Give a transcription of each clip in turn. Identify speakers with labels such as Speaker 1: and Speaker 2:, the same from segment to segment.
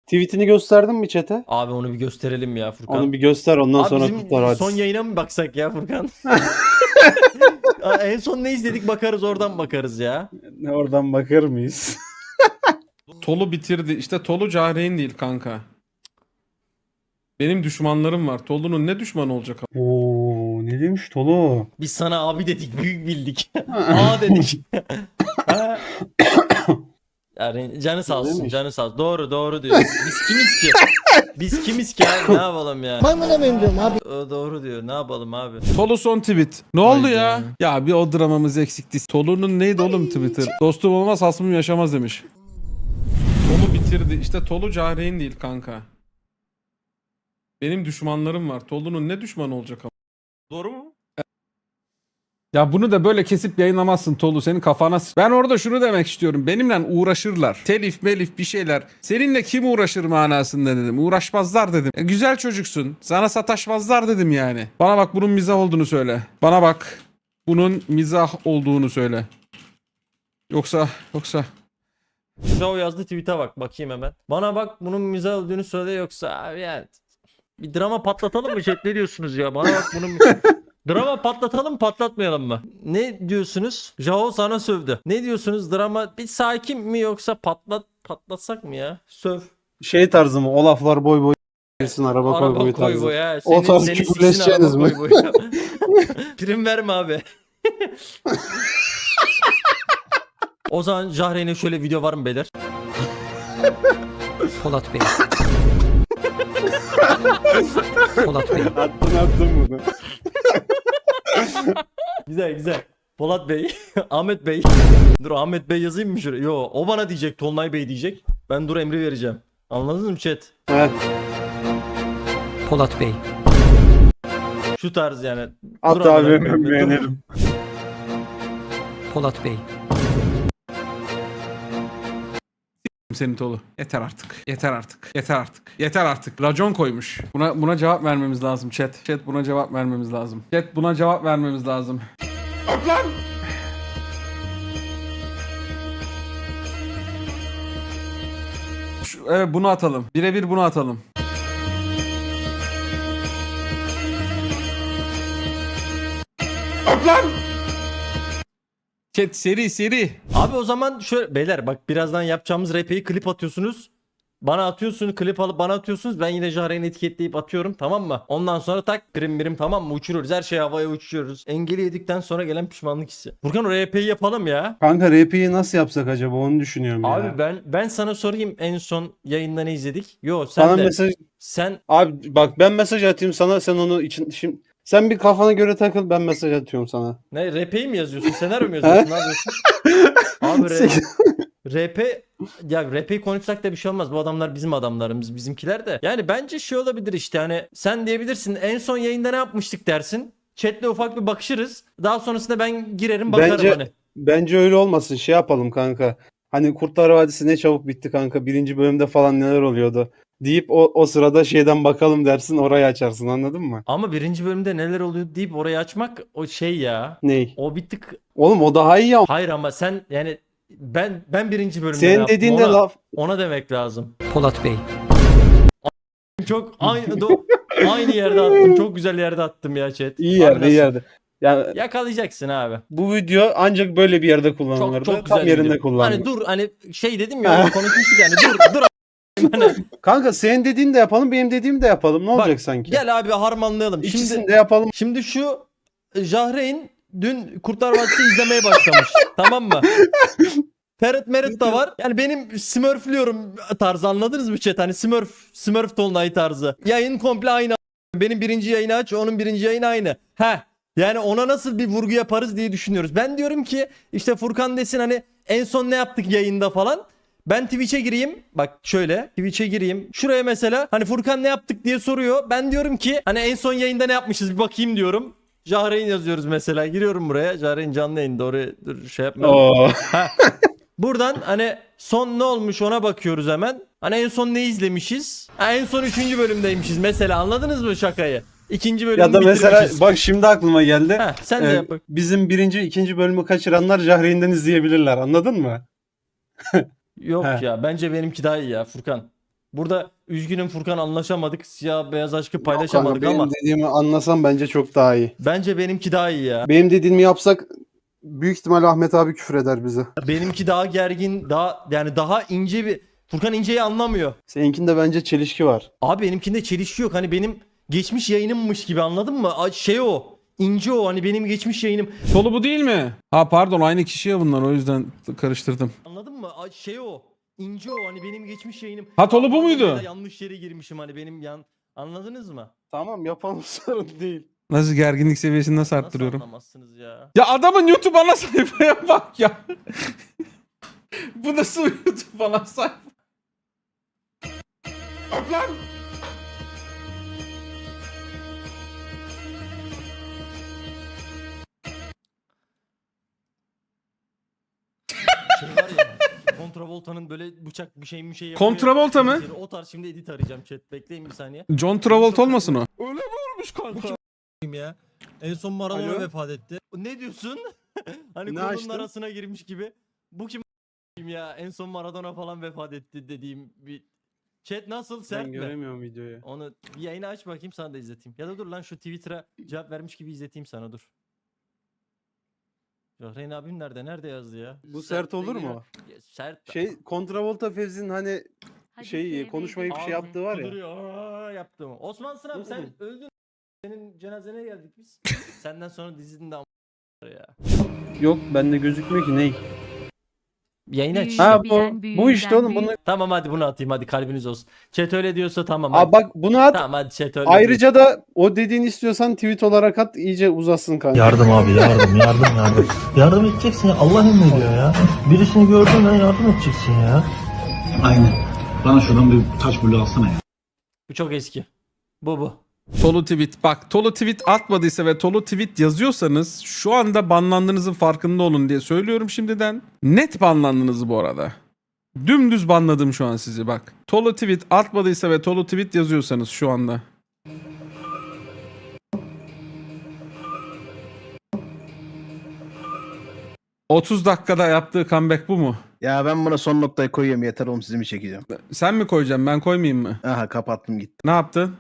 Speaker 1: Tweetini gösterdin mi chat'e?
Speaker 2: Abi onu bir gösterelim ya Furkan.
Speaker 1: Onu bir göster, ondan
Speaker 2: Abi
Speaker 1: sonra
Speaker 2: bizim
Speaker 1: kutlar hadi.
Speaker 2: son yayına mı baksak ya Furkan? En son ne izledik bakarız, oradan bakarız ya.
Speaker 1: Oradan bakar mıyız?
Speaker 3: Tolu bitirdi. İşte Tolu Cahreyn değil kanka. Benim düşmanlarım var. Tolu'nun ne düşmanı olacak?
Speaker 1: Oo, ne demiş Tolu?
Speaker 2: Biz sana abi dedik, büyük bildik. Aa dedik. Ha. Yani canı sağ olsun,
Speaker 1: Demiş.
Speaker 2: canı sağ olsun. Doğru diyor. Biz kimiz ki? Biz kimiz ki abi, ne yapalım ya?
Speaker 4: Ben buna benziyorum abi.
Speaker 2: Doğru diyor, ne yapalım abi?
Speaker 3: Tolu son tweet. Ne oldu
Speaker 2: Hayda.
Speaker 3: ya? Ya bir o dramamız eksikti. Tolu'nun neydi oğlum Twitter? Dostum olmaz hasmım yaşamaz demiş. Tolu bitirdi. İşte Tolu Cahreyn değil kanka. Benim düşmanlarım var. Tolu'nun ne düşmanı olacak?
Speaker 2: Doğru mu?
Speaker 3: Ya bunu da böyle kesip yayınlamazsın Tolu, senin kafana Ben orada şunu demek istiyorum. Benimle uğraşırlar. Telif melif bir şeyler. Seninle kim uğraşır manasında dedim. Uğraşmazlar dedim. Güzel çocuksun. Sana sataşmazlar dedim yani. Bana bak bunun mizah olduğunu söyle. Bana bak bunun mizah olduğunu söyle. Yoksa.
Speaker 2: Joe yazdı tweet'e bak, bakayım hemen. Bana bak bunun mizah olduğunu söyle, yoksa abi yani. Bir drama patlatalım mı chat, ne diyorsunuz ya? Bana bak bunun... Drama patlatalım mı patlatmayalım mı? Ne diyorsunuz? Jao sana sövdü. Ne diyorsunuz? Drama bir sakin mi, yoksa patlatsak mı ya? Söv.
Speaker 1: Şey tarzı mı? O laflar boy boy gelsin, araba koy boy
Speaker 2: Araba koy
Speaker 1: tarzı.
Speaker 2: boy ha.
Speaker 1: O tarz
Speaker 2: Seni siksin,
Speaker 1: küfürleşeceğiniz
Speaker 2: araba
Speaker 1: mi?
Speaker 2: koy boy. Prim verme abi. O zaman Jahreyn'e şöyle video var mı beyler?
Speaker 4: Polat Bey. Polat Bey.
Speaker 1: Attın bunu.
Speaker 2: Güzel. Polat Bey, Ahmet Bey. Dur Ahmet Bey yazayım mı şuraya? Yo, o bana diyecek, Tolunay Bey diyecek. Ben dur emri vereceğim. Anladınız mı chat?
Speaker 1: He.
Speaker 4: Polat Bey.
Speaker 2: Şu tarz yani.
Speaker 1: At
Speaker 2: Dur amına
Speaker 1: abi,
Speaker 2: koyayım,
Speaker 1: ben
Speaker 2: dur.
Speaker 1: beğenirim.
Speaker 4: Polat Bey.
Speaker 3: Senin Tolu. Yeter artık. Racon koymuş. Buna cevap vermemiz lazım chat. Chat buna cevap vermemiz lazım. Lan! Evet bunu atalım. Birebir bunu atalım. Lan! Chat seri.
Speaker 2: Abi o zaman şöyle beyler, bak birazdan yapacağımız RP'yi klip atıyorsunuz. Bana atıyorsunuz, klip alıp bana atıyorsunuz. Ben yine Jahreyn'i etiketleyip atıyorum, tamam mı? Ondan sonra tak birim tamam mı? Uçuruyoruz. Her şeyi havaya uçuruyoruz. Engeli yedikten sonra gelen pişmanlık hissi. Furkan o RP'yi yapalım ya.
Speaker 1: Kanka RP'yi nasıl yapsak acaba, onu düşünüyorum ya.
Speaker 2: Abi ben sana sorayım, en son yayında ne izledik? Yo sen
Speaker 1: Sana
Speaker 2: de.
Speaker 1: mesaj...
Speaker 2: Sen
Speaker 1: Abi bak, ben mesaj atayım sana, sen onu için... Şimdi... Sen bir kafana göre takıl, ben mesaj atıyorum sana.
Speaker 2: ne, RP'yi mi yazıyorsun? Senaryo mu yazıyorsun? Ne yapıyorsun? Abi RP, ya RP'yi konuşsak da bir şey olmaz. Bu adamlar bizim adamlarımız, bizimkiler de. Yani bence şey olabilir işte, hani sen diyebilirsin en son yayında ne yapmıştık dersin. Chat'le ufak bir bakışırız. Daha sonrasında ben girerim bakarım
Speaker 1: Bence
Speaker 2: hani.
Speaker 1: bence öyle olmasın. Şey yapalım kanka. Hani Kurtlar Vadisi ne çabuk bitti kanka. Birinci bölümde falan neler oluyordu. Deyip o sırada şeyden bakalım dersin, orayı açarsın, anladın mı?
Speaker 2: Ama birinci bölümde neler oluyor deyip orayı açmak o şey ya.
Speaker 1: Ney?
Speaker 2: O bir tık,
Speaker 1: Oğlum o daha iyi ama.
Speaker 2: hayır ama sen yani ben birinci bölümde ne
Speaker 1: Senin
Speaker 2: yaptım,
Speaker 1: dediğin de
Speaker 2: ona,
Speaker 1: laf.
Speaker 2: ona demek lazım.
Speaker 4: Polat Bey.
Speaker 2: Çok aynı yerde attım. Çok güzel yerde attım ya chat.
Speaker 1: İyi
Speaker 2: Abi
Speaker 1: yerde, iyi
Speaker 2: nasıl?
Speaker 1: yerde. Yani
Speaker 2: Yakalayacaksın abi.
Speaker 1: bu video ancak böyle bir yerde kullanılırdı.
Speaker 2: Çok güzel
Speaker 1: Tam yerinde
Speaker 2: video.
Speaker 1: kullanılır.
Speaker 2: Hani dur, hani şey dedim ya, onu konuşmuştuk yani, dur hani,
Speaker 1: Kanka senin dediğini de yapalım, benim dediğimi de yapalım. Ne olacak sanki?
Speaker 2: gel abi harmanlayalım.
Speaker 1: İkisini de yapalım.
Speaker 2: Şimdi şu Jahreyn dün Kurtlar Vadisi izlemeye başlamış. Tamam mı? Ferit Merit de var. Yani benim smurfliyorum tarzı, anladınız mı chat? Hani Smurf Tolunay tarzı. Yayın komple aynı. Benim birinci yayını aç, onun birinci yayını aynı. Yani ona nasıl bir vurgu yaparız diye düşünüyoruz. Ben diyorum ki işte Furkan desin hani en son ne yaptık yayında falan. Ben Twitch'e gireyim. Bak şöyle Twitch'e gireyim. Şuraya mesela hani Furkan ne yaptık diye soruyor. Ben diyorum ki hani en son yayında ne yapmışız bir bakayım diyorum. Jahreyn yazıyoruz mesela. Giriyorum buraya. Jahreyn canlı yayında, oraya dur şey yapmayalım.
Speaker 1: Oo.
Speaker 2: Buradan hani son ne olmuş ona bakıyoruz hemen. Hani en son ne izlemişiz? En son 3. bölümdeymişiz mesela, anladınız mı şakayı? 2. bölümü
Speaker 1: Ya da mesela
Speaker 2: bitirmişiz.
Speaker 1: bak şimdi aklıma geldi.
Speaker 2: Sen de yap bak.
Speaker 1: Bizim birinci, ikinci bölümü kaçıranlar Jahreyn'den izleyebilirler. Anladın mı?
Speaker 2: Yok
Speaker 1: He.
Speaker 2: ya, bence benimki daha iyi ya Furkan. Burada üzgünüm Furkan, anlaşamadık. Siyah beyaz aşkı
Speaker 1: Kanka,
Speaker 2: paylaşamadık
Speaker 1: benim
Speaker 2: ama
Speaker 1: dediğimi anlasam bence çok daha iyi.
Speaker 2: bence benimki daha iyi ya.
Speaker 1: Benim dediğimi yapsak büyük ihtimal Ahmet abi küfür eder bize.
Speaker 2: Benimki daha gergin, daha ince bir... Furkan inceyi anlamıyor.
Speaker 1: Seninkinde bence çelişki var.
Speaker 2: Abi benimkinde çelişki yok. Hani benim geçmiş yayınımmış gibi, anladın mı? Şey o. İnce o, hani benim geçmiş yayınım.
Speaker 3: Tolu bu değil mi? Ha pardon, aynı kişi ya bunlar, o yüzden karıştırdım.
Speaker 2: Anladın mı? Şey o. İnce o, hani benim geçmiş yayınım.
Speaker 3: Ha, Tolu bu muydu?
Speaker 2: Ya da yanlış yere girmişim hani benim anladınız mı?
Speaker 1: Tamam yapalım, sorun değil.
Speaker 3: Nasıl gerginlik seviyesini nasıl
Speaker 2: Nasıl
Speaker 3: arttırıyorum?
Speaker 2: anlamazsınız ya?
Speaker 3: Ya adamın YouTube ana sayfaya bak ya. Bu nasıl YouTube ana sayfa? Öp lan.
Speaker 2: Şey var ya. Kontravolta'nın böyle bıçak bir şey yapıyor.
Speaker 3: Kontravolta mı?
Speaker 2: O tarz, şimdi edit arayacağım chat. Bekleyin bir saniye.
Speaker 3: John Travolta olmasın o?
Speaker 2: Öyle mi olmuş kanka?
Speaker 5: ya. En son Maradona
Speaker 1: Alo?
Speaker 5: vefat etti.
Speaker 2: Ne diyorsun? Hani
Speaker 1: Ne
Speaker 2: konunun
Speaker 1: açtın?
Speaker 2: arasına girmiş gibi. Bu kim ya? En son Maradona falan vefat etti dediğim bir... Chat nasıl? Sert
Speaker 1: Ben
Speaker 2: mi?
Speaker 1: göremiyorum videoyu.
Speaker 2: Onu bir yayını aç bakayım, sana da izleteyim. Ya da dur lan, şu Twitter'a cevap vermiş gibi izleteyim sana, dur. Jahreyn abim nerede? Nerede yazdı ya?
Speaker 1: Bu sert olur
Speaker 2: değil
Speaker 1: mu?
Speaker 2: Ya, sert.
Speaker 1: Şey, Kontravolta Fevzi'nin hani konuşmayıp şey
Speaker 2: Ağzım
Speaker 1: yaptığı var ya.
Speaker 2: kuduruyor. Aa, yaptım. Osman Sınav, sen
Speaker 1: Oğlum.
Speaker 2: öldün. Senin cenazene geldik biz. Senden sonra dizinin de ya.
Speaker 1: Yok, bende gözükmüyor ki ney?
Speaker 2: Yayını aç.
Speaker 1: Ha
Speaker 2: işte.
Speaker 1: bu işte oğlum bunu.
Speaker 2: Tamam hadi bunu atayım, hadi kalbiniz olsun. Chat öyle diyorsa tamam.
Speaker 1: Aa
Speaker 2: Hadi.
Speaker 1: bak bunu at.
Speaker 2: Tamam hadi chat öyle
Speaker 1: Ayrıca da o dediğini istiyorsan tweet olarak at, iyice uzasın kanka.
Speaker 6: Yardım abi, yardım. Yardım edeceksin ya, Allah emrediyor ya. Birisini gördün mü yardım edeceksin ya.
Speaker 7: Aynen. Bana şuradan bir taş bulu alsana ya.
Speaker 2: Bu çok eski. Bu.
Speaker 3: Tolu tweet. Bak, Tolu tweet atmadıysa ve Tolu tweet yazıyorsanız şu anda banlandığınızın farkında olun diye söylüyorum şimdiden. Net banlandınız bu arada. Dümdüz banladım şu an sizi bak. Tolu tweet atmadıysa ve Tolu tweet yazıyorsanız şu anda. ...30 dakikada yaptığı comeback bu mu?
Speaker 8: Ya ben buna son noktayı koyuyorum, yeter oğlum, sizi mi çekeceğim?
Speaker 3: Sen mi koyacaksın, ben koymayayım mı?
Speaker 8: Aha, kapattım gitti.
Speaker 3: Ne yaptın?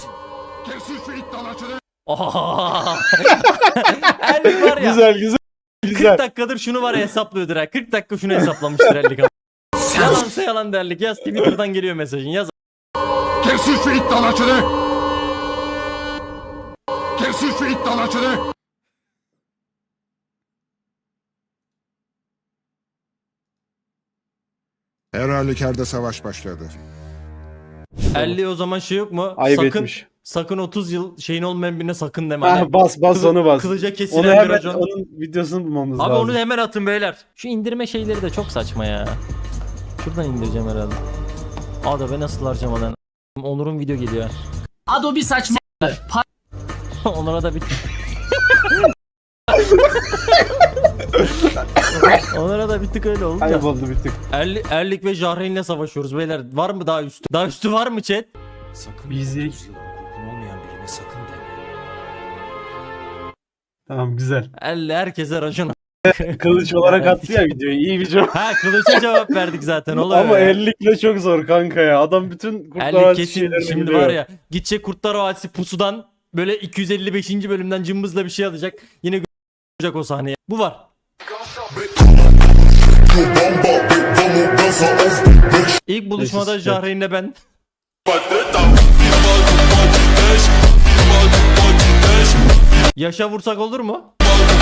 Speaker 2: Oha! Erlik var ya.
Speaker 1: Güzel.
Speaker 2: 40 dakikadır şunu var ya hesaplıyordur ha. 40 dakika şunu hesaplamıştır Erlik abi. Yalansa yalan derlik. Yaz, Twitter'dan geliyor mesajın. Yaz.
Speaker 7: Kesin şu iddialaşını! Kesin şu iddialaşını!
Speaker 9: Her halükarda savaş başladı.
Speaker 2: Erlik o zaman şey yok mu?
Speaker 1: Ayıp
Speaker 2: sakın
Speaker 1: etmiş.
Speaker 2: sakın 30 yıl şeyin olmayan birine sakın deme.
Speaker 1: Ha,
Speaker 2: Hani
Speaker 1: bas onu bas.
Speaker 2: Kılıca
Speaker 1: Onu
Speaker 2: kesilen bir
Speaker 1: hemen
Speaker 2: racon.
Speaker 1: onun videosunu bulmamız
Speaker 2: Abi
Speaker 1: lazım.
Speaker 2: onu hemen atın beyler. Şu indirme şeyleri de çok saçma ya. Şuradan indireceğim herhalde. Aa ben nasıl harcamadan. Onur'un video geliyor.
Speaker 4: Adobe saçma.
Speaker 2: Onlara da bir... Onlara da bir tık öyle oldu da.
Speaker 1: Kayboldu bir tık.
Speaker 2: Erlik ve Jahreyn'le savaşıyoruz beyler. Var mı daha üstü? Daha üstü var mı chat?
Speaker 1: Bizi. Tamam, güzel.
Speaker 2: Herkese racon.
Speaker 1: Kılıç olarak attı ya videoyu. İyi bir cevap.
Speaker 2: Ha kılıça cevap verdik zaten. Oluyor
Speaker 1: Ama
Speaker 2: ya.
Speaker 1: ellikle çok zor kanka ya. Adam bütün Kurtlar
Speaker 2: Erlik
Speaker 1: Vadisi
Speaker 2: kesin
Speaker 1: şeylerini
Speaker 2: şimdi
Speaker 1: biliyor.
Speaker 2: var ya. Gidecek Kurtlar Vadisi pusudan böyle 255. bölümden cımbızla bir şey alacak. Yine görecek o sahneye. Bu var. İlk buluşmada
Speaker 1: Neyse,
Speaker 2: Jahreyn'le ben. Yaşa vursak olur mu?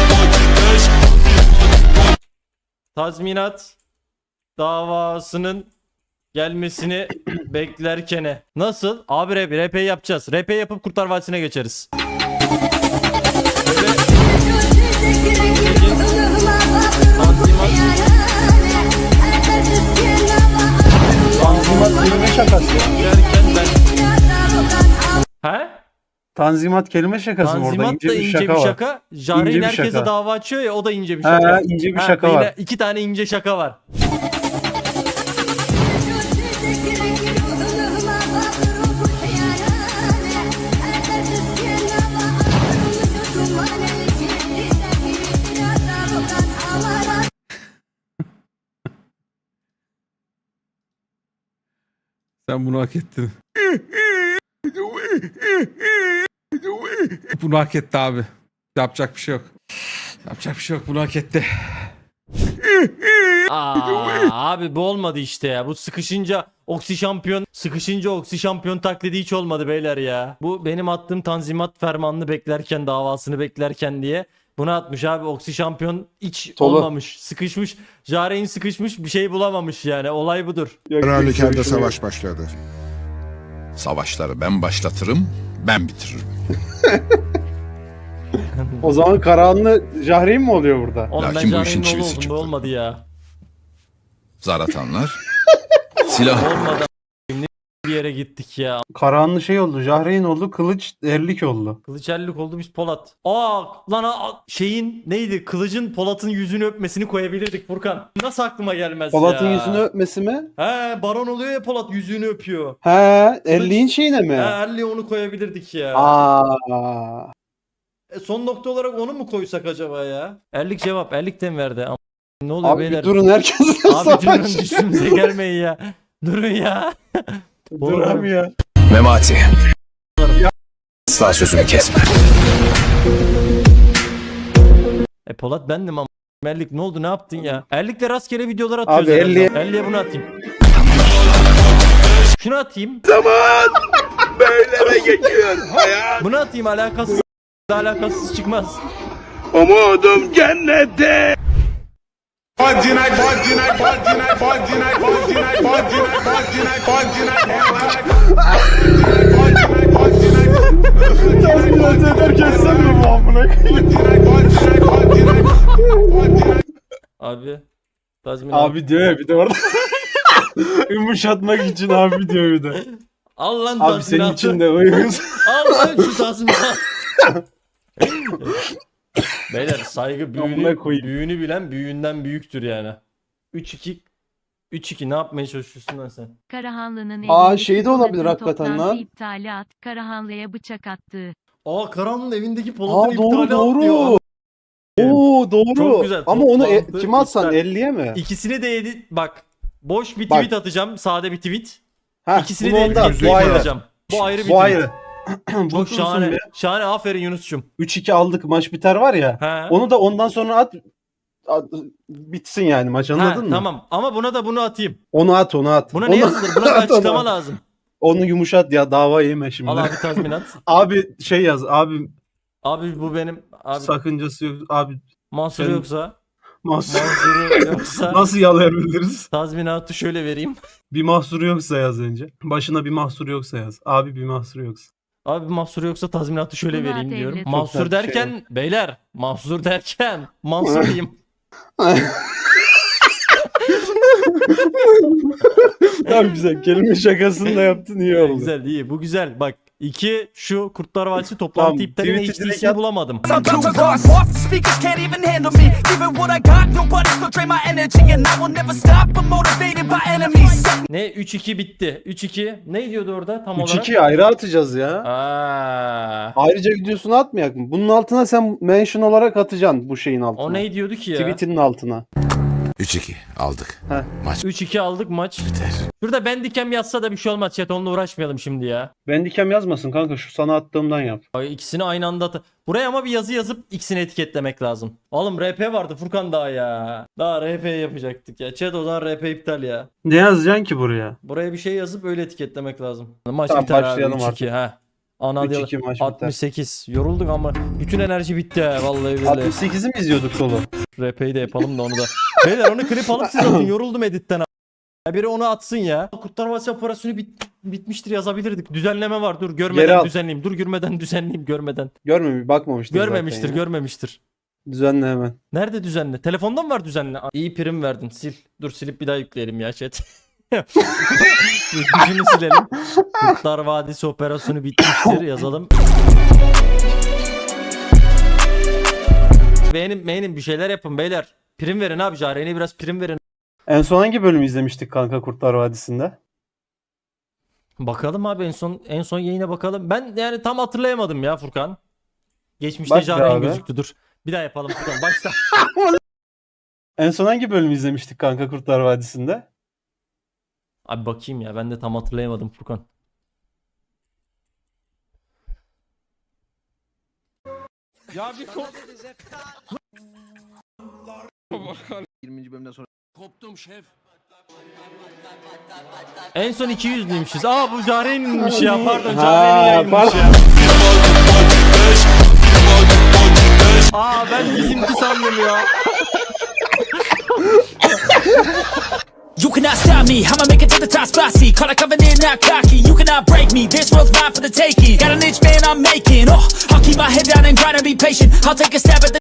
Speaker 2: Tazminat davasının gelmesini beklerkene. Nasıl? Abi RP yapacağız. RP yapıp Kurtlar Vadisi'ne geçeriz. Böyle...
Speaker 1: Tanzimat kelime şakası.
Speaker 2: Derken ben... He?
Speaker 1: Tanzimat kelime şakası mı orada?
Speaker 2: Tanzimat
Speaker 1: İnce
Speaker 2: da
Speaker 1: bir
Speaker 2: ince
Speaker 1: şaka
Speaker 2: bir
Speaker 1: var.
Speaker 2: şaka. Jahreyn
Speaker 1: İnce bir
Speaker 2: herkese
Speaker 1: şaka.
Speaker 2: dava açıyor ya, o da ince bir şaka.
Speaker 1: Ha, ince bir
Speaker 2: Ha,
Speaker 1: şaka
Speaker 2: yine
Speaker 1: var.
Speaker 2: 2 tane ince şaka var.
Speaker 3: Sen bunu hak ettin. Bunu hak etti abi. Yapacak bir şey yok. Yapacak bir şey yok. Bunu hak etti.
Speaker 2: Abi bu olmadı işte ya. Bu sıkışınca oksi şampiyon taklidi hiç olmadı beyler ya. Bu benim attığım tanzimat fermanını beklerken, davasını beklerken diye bunu atmış abi. Oksi şampiyon hiç
Speaker 1: Tolu.
Speaker 2: olmamış. Sıkışmış. Jahreyn sıkışmış, bir şey bulamamış yani. Olay budur.
Speaker 9: Her halükarda savaş başladı.
Speaker 10: Savaşları ben başlatırım, ben bitiririm.
Speaker 1: O zaman Karahanlı Jahreyn mi oluyor burada?
Speaker 2: Oğlum ben
Speaker 10: Lakin bu işin
Speaker 2: Jahreyn'in oğlu
Speaker 10: çivisi
Speaker 2: oldum. Bu
Speaker 10: çıktı.
Speaker 2: olmadı ya.
Speaker 10: Zar atanlar, silah
Speaker 2: Olmadı. Ne bir yere gittik ya.
Speaker 1: Karahanlı şey oldu. Jahreyn oldu. Kılıç erlik oldu.
Speaker 2: Kılıç ellik oldu, biz Polat. Şeyin neydi? Kılıcın Polat'ın yüzünü öpmesini koyabilirdik Furkan. Nasıl aklıma gelmez
Speaker 1: Polat'ın
Speaker 2: ya?
Speaker 1: yüzünü öpmesi mi?
Speaker 2: He, baron oluyor ya, Polat yüzüğünü öpüyor.
Speaker 1: He, erliğin şeyine mi?
Speaker 2: He, Erli'ye onu koyabilirdik ya.
Speaker 1: Aa.
Speaker 2: Son nokta olarak onu mu koysak acaba ya? Erlik cevap. Erlik de mi verdi? Ne oluyor
Speaker 1: Abi
Speaker 2: beyler?
Speaker 1: bir durun, herkes
Speaker 2: Abi durun, üstümüze gelmeyin ya. Durun ya.
Speaker 1: Duramıyor.
Speaker 10: Memati. Asla sözümü kesme.
Speaker 2: Polat bendim ama. Erlik ne oldu, ne yaptın ya? Erlik'le rastgele videolar atıyoruz.
Speaker 1: Abi,
Speaker 2: herhalde. Erlik'e bunu atayım. Şunu atayım.
Speaker 10: Böyle geçiyor hayat.
Speaker 2: Bunu atayım, alakasız çıkmaz.
Speaker 10: Umudum cennette.
Speaker 1: Tazminat ederken sen mi bu amına?
Speaker 2: Abi. Tazminat.
Speaker 1: Abi diyor ya bir de orada. Yumuşatmak için abi diyor bir de.
Speaker 2: Al lan
Speaker 1: Abi senin
Speaker 2: tazminatı.
Speaker 1: için de uyuz.
Speaker 2: Al lan şu tazminatı. Beyler saygı
Speaker 1: Amına koyayım.
Speaker 2: büyüğünü bilen büyüğünden büyüktür yani. 3-2 ne yapmaya çalışıyorsun lan sen?
Speaker 11: Karahanlı'nın
Speaker 1: Aa,
Speaker 11: evindeki
Speaker 1: şey de olabilir
Speaker 11: Polat'ın
Speaker 1: hakikaten
Speaker 11: toplantı
Speaker 1: lan.
Speaker 11: iptalat, Karahanlı'ya bıçak attı.
Speaker 2: Karan'ın evindeki
Speaker 1: Aa,
Speaker 2: Polat'ın
Speaker 1: doğru,
Speaker 2: iptali
Speaker 1: doğru.
Speaker 2: diyor.
Speaker 1: Oo doğru.
Speaker 2: Çok güzel.
Speaker 1: Ama onu
Speaker 2: Toplantı
Speaker 1: kime atsan,
Speaker 2: iptal.
Speaker 1: 50'ye mi?
Speaker 2: İkisini de edit bak. Boş bir
Speaker 1: Bak.
Speaker 2: tweet atacağım. Sade bir tweet.
Speaker 1: Heh,
Speaker 2: İkisini
Speaker 1: bunu
Speaker 2: de
Speaker 1: onda at,
Speaker 2: editleyip
Speaker 1: bu ayrı.
Speaker 2: atacağım. Bu ayrı bir
Speaker 1: Bu
Speaker 2: tweet.
Speaker 1: ayrı.
Speaker 2: Çok
Speaker 1: Bulursun
Speaker 2: şahane.
Speaker 1: be.
Speaker 2: Şahane, aferin Yunus'cum.
Speaker 1: 3-2 aldık, maç biter var ya.
Speaker 2: He.
Speaker 1: Onu da ondan sonra bitsin yani maç, anladın mı?
Speaker 2: Tamam ama buna da bunu atayım.
Speaker 1: Onu at.
Speaker 2: Buna
Speaker 1: Onu
Speaker 2: ne yazılır? Buna bir
Speaker 1: at, onu
Speaker 2: açıklama
Speaker 1: at.
Speaker 2: lazım.
Speaker 1: Onu yumuşat ya, dava yeme şimdi.
Speaker 2: Al abi tazminat.
Speaker 1: Abi şey yaz abi,
Speaker 2: Abi bu benim abi
Speaker 1: sakıncası yok abi,
Speaker 2: mahsuru
Speaker 1: sen-
Speaker 2: yoksa
Speaker 1: mahsur
Speaker 2: yoksa
Speaker 1: nasıl yalayabiliriz?
Speaker 2: tazminatı şöyle vereyim.
Speaker 1: Bir mahsuru yoksa yaz önce. Başına bir mahsuru yoksa yaz. Abi bir mahsuru yoksa.
Speaker 2: Abi mahsuru yoksa tazminatı şöyle
Speaker 11: Buna
Speaker 2: vereyim diyorum.
Speaker 11: devlet-
Speaker 2: Mahsur
Speaker 1: Çok güzel bir şey
Speaker 2: derken beyler, mahsur derken Mansur diyeyim.
Speaker 1: Tamam, güzel. Kelime şakasını da yaptın, iyi oldu.
Speaker 2: Güzel, iyi. Bu güzel. Bak 2 şu Kurtlar Vadisi toplantı
Speaker 1: Tamam,
Speaker 2: iptaline
Speaker 1: tweet'i direkt
Speaker 2: HT'sini
Speaker 1: at.
Speaker 2: bulamadım. Ne 3-2 bitti. 3-2 ne diyordu orada tam olarak?
Speaker 1: 3-2 ayrı atacağız ya.
Speaker 2: Aa.
Speaker 1: Ayrıca videosunu atmayak mı? Bunun altına sen mention olarak atacaksın, bu şeyin altına.
Speaker 2: O ne diyordu ki ya?
Speaker 1: Tweetinin altına.
Speaker 10: 3-2 aldık.
Speaker 2: 3-2 aldık maç.
Speaker 10: Biter.
Speaker 2: Şurada Bendikem yazsa da bir şey olmaz chat, onunla uğraşmayalım şimdi ya.
Speaker 1: Bendikem yazmasın kanka, şu sana attığımdan yap.
Speaker 2: Ay, İkisini aynı anda buraya ama bir yazı yazıp ikisini etiketlemek lazım. Oğlum RP vardı Furkan daha ya. Daha RP yapacaktık ya. Chat o zaman RP iptal ya.
Speaker 1: Ne yazacaksın ki buraya?
Speaker 2: Buraya bir şey yazıp öyle etiketlemek lazım. Maç
Speaker 1: Tamam,
Speaker 2: biter abi
Speaker 1: başlayalım
Speaker 2: 3-2
Speaker 1: artık.
Speaker 2: ha. Ana
Speaker 1: 3-2 maç biter.
Speaker 2: 68. Yorulduk ama bütün enerji bitti ya vallahi billahi.
Speaker 1: 68'i mi izliyorduk dolu?
Speaker 2: RP'yi de yapalım da onu da. Beyler onu klip alıp siz atın. Yoruldum editten. Ya biri onu atsın ya. Kurtlar Vadisi operasyonu bitmiştir yazabilirdik. Düzenleme var. Dur
Speaker 1: Geri
Speaker 2: görmeden
Speaker 1: al.
Speaker 2: düzenleyeyim. Dur görmeden düzenleyeyim görmeden.
Speaker 1: Bakmamıştır
Speaker 2: Görmemiştir,
Speaker 1: zaten ya.
Speaker 2: görmemiştir.
Speaker 1: Düzenle hemen.
Speaker 2: Nerede düzenle? Telefonda mı var düzenle? İyi prim verdin. Sil. Dur silip bir daha yükleyelim ya chat. Şunu silelim. Kurtlar Vadisi operasyonu bitmiştir yazalım. Beğenin bir şeyler yapın beyler. Prim verin abi, Jahreyn'e biraz prim verin.
Speaker 1: En son hangi bölümü izlemiştik kanka Kurtlar Vadisi'nde?
Speaker 2: Bakalım abi en son yayına bakalım. Ben yani tam hatırlayamadım ya Furkan. Geçmişte
Speaker 1: Bak be
Speaker 2: Jahreyn
Speaker 1: abi.
Speaker 2: gözüktü. Dur. Bir daha yapalım Furkan. Başla.
Speaker 1: En son hangi bölümü izlemiştik kanka Kurtlar Vadisi'nde?
Speaker 2: Abi bakayım ya, ben de tam hatırlayamadım Furkan.
Speaker 3: Ya bir
Speaker 8: 20. bölümden sonra
Speaker 10: Koptum şef.
Speaker 2: En son 200'lüymüşüz. Aa bu Jahreyn'inmiş ya, pardon,
Speaker 1: Ha,
Speaker 2: Jahreyn'in yayınmış ya. Aa ben bizimki sandım ya.
Speaker 4: You cannot stop me, I'ma make it to the top spot. See, call it coming in, not cocky. You cannot break me, this world's mine for the taking. Got an inch, man, I'm making. Oh, I'll keep my head down and grind and be patient. I'll take a stab at the